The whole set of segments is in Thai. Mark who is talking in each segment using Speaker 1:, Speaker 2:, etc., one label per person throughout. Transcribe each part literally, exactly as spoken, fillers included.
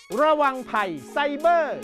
Speaker 1: ระวังภัยไซเบอร์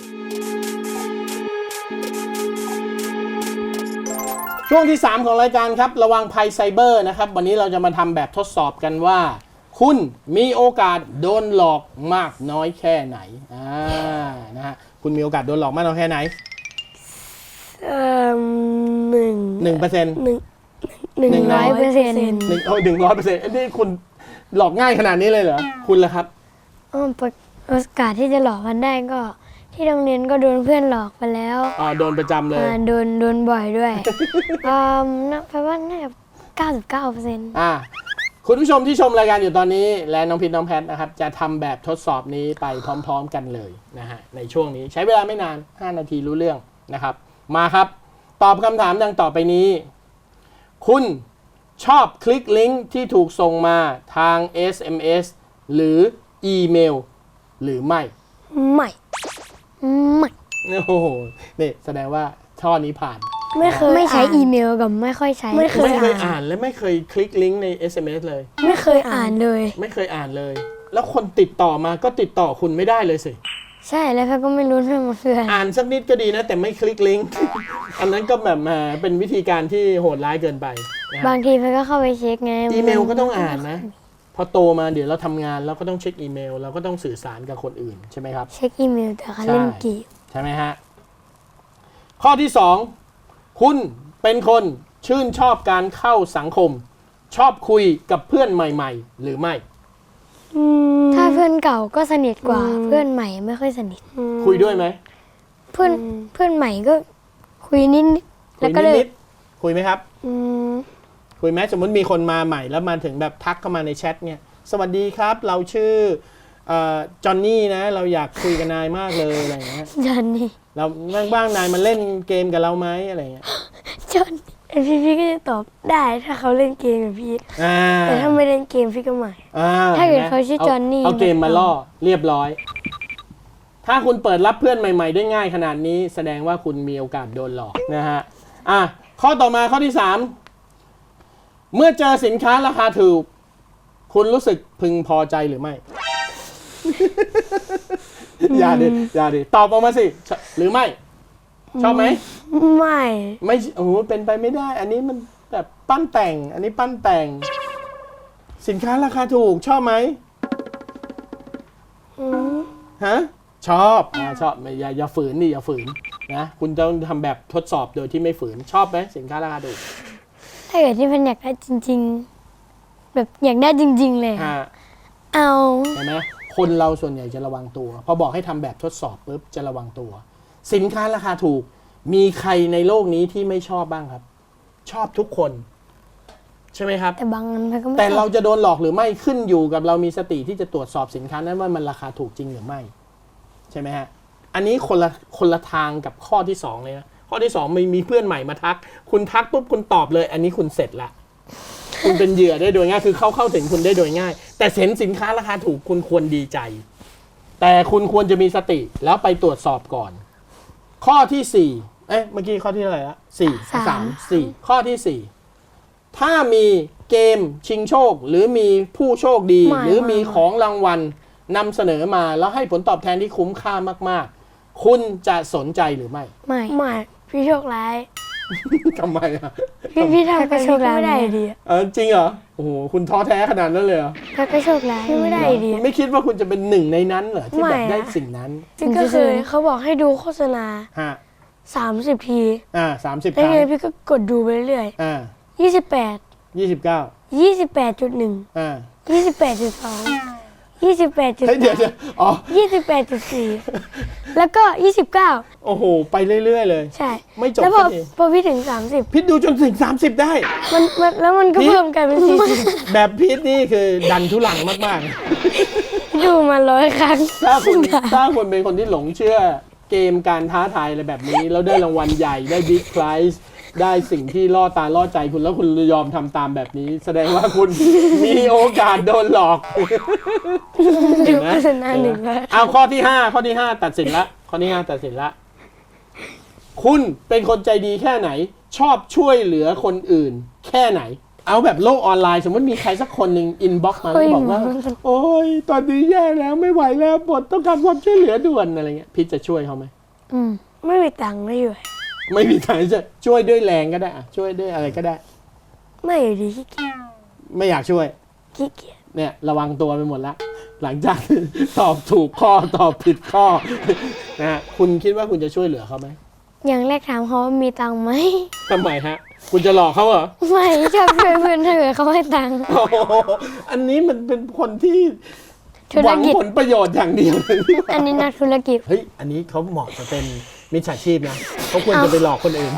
Speaker 1: ช่วงที่สามของรายการครับระวังภัยไซเบอร์นะครับวันนี้เราจะมาทำแบบทดสอบกันว่าคุณมีโอกาสโดนหลอกมากน้อยแค่ไหนอ่านะฮะคุณมีโอกาสโดนหลอกมากน้อยแค่ไหน
Speaker 2: เอ่อหนึ่ง
Speaker 1: หนึ่งเปอร์เซ็นต์
Speaker 2: หนึ่งหนึ่งร้อยเปอร์เซ็นต์
Speaker 1: หนึ่งโอ้หนึ่งร้อยเปอร์เซ็นต์นี่คุณหลอกง่ายขนาดนี้เลยเหรอคุณล่ะครับ
Speaker 2: โอกาสที่จะหลอกกันได้ก็ที่โรงเรียนก็โดนเพื่อนหลอกไปแล้ว
Speaker 1: อ่าโดนประจำเลย
Speaker 2: โดนโดนบ่อยด้วยอ่าแปลว่าน่าจะเก้าสิบเก้าเปอร์เซ็นต์
Speaker 1: อ่าคุณผู้ชมที่ชมรายการอยู่ตอนนี้และน้องพิษน้องแพทนะครับจะทำแบบทดสอบนี้ไปพร้อมๆกันเลยนะฮะในช่วงนี้ใช้เวลาไม่นานห้านาทีรู้เรื่องนะครับมาครับตอบคำถามดังต่อไปนี้คุณชอบคลิกลิงก์ที่ถูกส่งมาทาง เอส เอ็ม เอส หรืออีเมลหรือไม่
Speaker 2: ไม่ไม่
Speaker 1: โอ้โหนี่แสดงว่าช่อนี้ผ่าน
Speaker 2: ไม่เคยไม่ใช้อีเมลกับไม่ค่อยใช้
Speaker 1: ไม่เคยไม่เคยอ่านและไม่เคยคลิกลิงก์ใน เอส เอ็ม เอส เลย
Speaker 2: ไม่เคยอ่านเลย
Speaker 1: ไม่เคยอ่านเลยแล้วคนติดต่อมาก็ติดต่อคุณไม่ได้เลยสิ
Speaker 2: ใช่แล้วเขาก็ไม่รู้เรื่องมันคือ
Speaker 1: อ่านสักนิดก็ดีนะแต่ไม่คลิกลิงก์อันนั้นก็แบบมาเป็นวิธีการที่โหดร้ายเกินไป
Speaker 2: บางทีเพื่อนก็เข้าไปเช็คไง
Speaker 1: อีเมลก็ต้องอ่านนะพอโตมาเดี๋ยวเราทำงานเราก็ต้องเช็คอีเมลเราก็ต้องสื่อสารกับคนอื่นใช่ไหมครับ
Speaker 2: เช็คอีเมลแต่เขาเล่นเกม
Speaker 1: ใช่ไหมฮะข้อที่สองคุณเป็นคนชื่นชอบการเข้าสังคมชอบคุยกับเพื่อนใหม่ๆหรือไม่
Speaker 2: ถ้าเพื่อนเก่าก็สนิทกว่าเพื่อนใหม่ไม่ค่อยสนิท
Speaker 1: คุยด้วยไหม
Speaker 2: เพื่อนเพื่อนใหม่ก็คุยนิด
Speaker 1: แล้วก็เลยคุยไหมครับคุยไหมสมมติมีคนมาใหม่แล้วมาถึงแบบทักเข้ามาในแชทเนี่ยสวัสดีครับเราชื่อจอห์นนี่นะเราอยากคุยกับนายมากเลยอะไรอย่างเงี้ย
Speaker 2: จอห์นนี่
Speaker 1: เราบ้างๆนายมาเล่นเกมกับเราไหมอะไรเงี้ย
Speaker 2: จอห์นพี่พี่ก็จะตอบได้ถ้าเขาเล่นเกมกับพี่แต่ถ้าไม่เล่นเกมพี่ก็ไม่ถ้าเกิดเขาชื่อจอห์นนี่
Speaker 1: เอาเกมมาล่อเรียบร้อยถ้าคุณเปิดรับเพื่อนใหม่ๆได้ง่ายขนาดนี้แสดงว่าคุณมีโอกาสโดนหลอกนะฮะอ่ะข้อต่อมาข้อที่สามเมื่อเจอสินค้าราคาถูกคุณรู้สึกพึงพอใจหรือไม่อย่าดิอย่าดิตอบออกมาสิหรือไม่ชอบไหม
Speaker 2: ไม่
Speaker 1: ไม่โอ้โหเป็นไปไม่ได้อันนี้มันแบบปั้นแต่งอันนี้ปั้นแต่งสินค้าราคาถูกชอบไหมฮะชอบอ่าชอบอย่าอย่าฝืนดิอย่าฝืนนะคุณต้องทำแบบทดสอบโดยที่ไม่ฝืนชอบไหมสินค้าราคาถูก
Speaker 2: ถ้าเกิดที่มันอยากได้จริงๆแบบอยากได้จริงๆเลยเอา
Speaker 1: เห็นไหมคนเราส่วนใหญ่จะระวังตัวพอบอกให้ทำแบบทดสอบปุ๊บจะระวังตัวสินค้าราคาถูกมีใครในโลกนี้ที่ไม่ชอบบ้างครับชอบทุกคนใช่ไหมครับ
Speaker 2: แต่บางอันก็ไม่
Speaker 1: แต่เราจะโดนหลอกหรือไม่ขึ้นอยู่กับเรามีสติที่จะตรวจสอบสินค้านั้นว่ามันราคาถูกจริงหรือไม่ใช่ไหมฮะอันนี้คนละคนละทางกับข้อที่สองเลยนะข้อที่สองมีมีเพื่อนใหม่มาทักคุณทักปุ๊บคุณตอบเลยอันนี้คุณเสร็จละคุณเป็นเหยื่อได้โดยง่ายคือเข้าเข้าถึงคุณได้โดยง่ายแต่เห็นสินค้าราคาถูกคุณควรดีใจแต่คุณควรจะมีสติแล้วไปตรวจสอบก่อนข้อที่สี่เอ๊ะเมื่อกี้ข้อที่อะไรละสี่สามสี่ข้อที่สี่ถ้ามีเกมชิงโชคหรือมีผู้โชคดีหรือมีของรางวัลนำเสนอมาแล้วให้ผลตอบแทนที่คุ้มค่ามากๆคุณจะสนใจหรือไม่
Speaker 2: ไม่ไม่พี่โชคร้าย
Speaker 1: ทำไมอ่ะ
Speaker 2: พี่พี่ทำก็โชคร้ายไม่ได้ดี
Speaker 1: เออจริงเหรอโอ้โหคุณท้อแท้ขนาดนั้นเลยเหรอ
Speaker 2: ถ้าก็โชคร้ายไม่ได้ดี
Speaker 1: ไม่คิดว่าคุณจะเป็นหนึ่งในนั้นเหรอที่แบบได้สิ่งนั้น
Speaker 2: จริงก็คือเขาบอกให้ดูโฆษณา
Speaker 1: ฮะ
Speaker 2: สามสิบที
Speaker 1: อ่าสามสิบค
Speaker 2: รั้
Speaker 1: ง
Speaker 2: แล้วพี่ก็กดดูไปเรื่อย
Speaker 1: อ่า
Speaker 2: ยี่สิบแปด
Speaker 1: ยี่สิบเก้า
Speaker 2: ยี่สิบแปดจุดหนึ่ง
Speaker 1: อ่า
Speaker 2: ยี่สิบแปดจุดสองยี่สิบแปดจุด
Speaker 1: เดี๋ยวอ๋อ
Speaker 2: ยี่สิบแปดจุดสี่แล้วก็ยี่สิบเก้า
Speaker 1: โอ้โหไปเรื่อยๆเลย
Speaker 2: ใช่
Speaker 1: ไม่จบ
Speaker 2: แล้วพอพอพี่ถึงสามสิบ
Speaker 1: พิษดูจนถึงสามสิบได้
Speaker 2: มันแล้วมันก็เพิ่มกันเป็นสี่สิบ
Speaker 1: แบบพิษนี่คือดันทุลังมาก
Speaker 2: ๆดูมาร้อยครั้ง
Speaker 1: ถ้าคุณถ้าคุณเป็นคนที่หลงเชื่อเกมการท้าทายอะไรแบบนี้แล้วได้รางวัลใหญ่ได้บิ๊กไพรส์ได้สิ่งที่ล่อตาล่อใจคุณแล้วคุณยอมทำตามแบบนี้แสดงว่าคุณมีโอกาสโดนหลอก
Speaker 2: เห็นไหม
Speaker 1: เอาข้อที่ห้าข้อที่ห้าตัดสินละข้อที่ห้าตัดสินละคุณเป็นคนใจดีแค่ไหนชอบช่วยเหลือคนอื่นแค่ไหนเอาแบบโลกออนไลน์สมมติมีใครสักคนหนึ่งอินบ็อกซ์มาแล้วบอกว่าโอ้ยตอนนี้แย่แล้วไม่ไหวแล้วบทต้องการความช่วยเหลือด่วนอะไรเงี้ยพี่จะช่วยเขาไหม
Speaker 2: อืมไม่มีตังค์ไม่อยู่
Speaker 1: ไม่มีทางจะช่วยด้วยแรงก็ได้อะช่วยด้วยอะไรก็ได้
Speaker 2: ไม่อยู่ดีขี้เกียจ
Speaker 1: ไม่อยากช่วย
Speaker 2: ขี้เกียจ
Speaker 1: เนี่ยระวังตัวไปหมดแล้วหลังจาก ตอบถูกข้อตอบผิดข้อ นะฮะคุณคิดว่าคุณจะช่วยเหลือเขาไหม
Speaker 2: อย่างแรกถามเขาว่ามีตังค์ไหม
Speaker 1: ทำไมฮะ คุณจะหลอกเขาเหรอ
Speaker 2: ไม่ชอบช่วยเพื่อนถ้าเกิดเขาให้ตังค์
Speaker 1: โอ้โหอันนี้มันเป็นคนที่
Speaker 2: ธุ
Speaker 1: ห
Speaker 2: ร
Speaker 1: วัง
Speaker 2: กิจ
Speaker 1: ผลประโยชน์อย่างเดียวเลยที่ว่า
Speaker 2: อันนี้นักธุรกิจ
Speaker 1: เฮ้ยอันนี้เขาเหมาะจะเป็นมิจฉาชีพนะเขาควรจะไปหลอกคนอื่น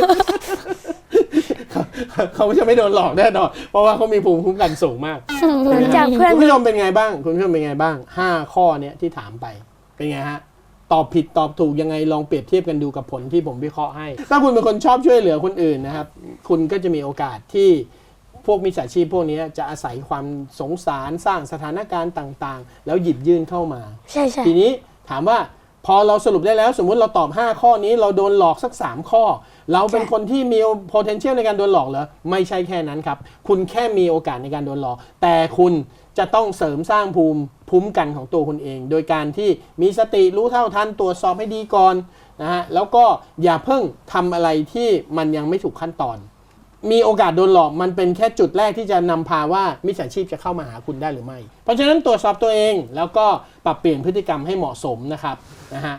Speaker 1: เขาเขาจะไม่โดนหลอกแน่นอนเพราะว่าเขามีภูมิคุ้มกันสูงมาก
Speaker 2: หลังจากเพื่อน
Speaker 1: คุณผู้ชมเป็นไงบ้างคุณผู้ชมเป็นไงบ้างห้าข้อเนี้ยที่ถามไปเป็นไงฮะตอบผิดตอบถูกยังไงลองเปรียบเทียบกันดูกับผลที่ผมวิเคราะห์ให้ ถ้าคุณเป็นคนชอบช่วยเหลือคนอื่นนะครับคุณก็จะมีโอกาสที่พวกมิจฉาชีพพวกนี้จะอาศัยความสงสารสร้างสถานการณ์ต่างๆ แล้วหยิบยื่นเข้ามา
Speaker 2: ใช่ใช่
Speaker 1: ทีนี้ถามว่าพอเราสรุปได้แล้วสมมุติเราตอบห้าข้อนี้เราโดนหลอกสักสามข้อ เราเป็นคนที่มี potential ในการโดนหลอกเหรอไม่ใช่แค่นั้นครับคุณแค่มีโอกาสในการโดนหลอกแต่คุณจะต้องเสริมสร้างภูมิภูมิกันของตัวคุณเอง โดยการที่มีสติรู้เท่าทันตรวจสอบให้ดีก่อนนะฮะแล้วก็อย่าเพิ่งทำอะไรที่มันยังไม่ถูกขั้นตอน มีโอกาสโดนหลอกมันเป็นแค่จุดแรกที่จะนำพาว่ามิจฉาชีพจะเข้ามาหาคุณได้หรือไม่ เพราะฉะนั้นตรวจสอบตัวเองแล้วก็ปรับเปลี่ยนพฤติกรรมให้เหมาะสมนะครับนะฮะ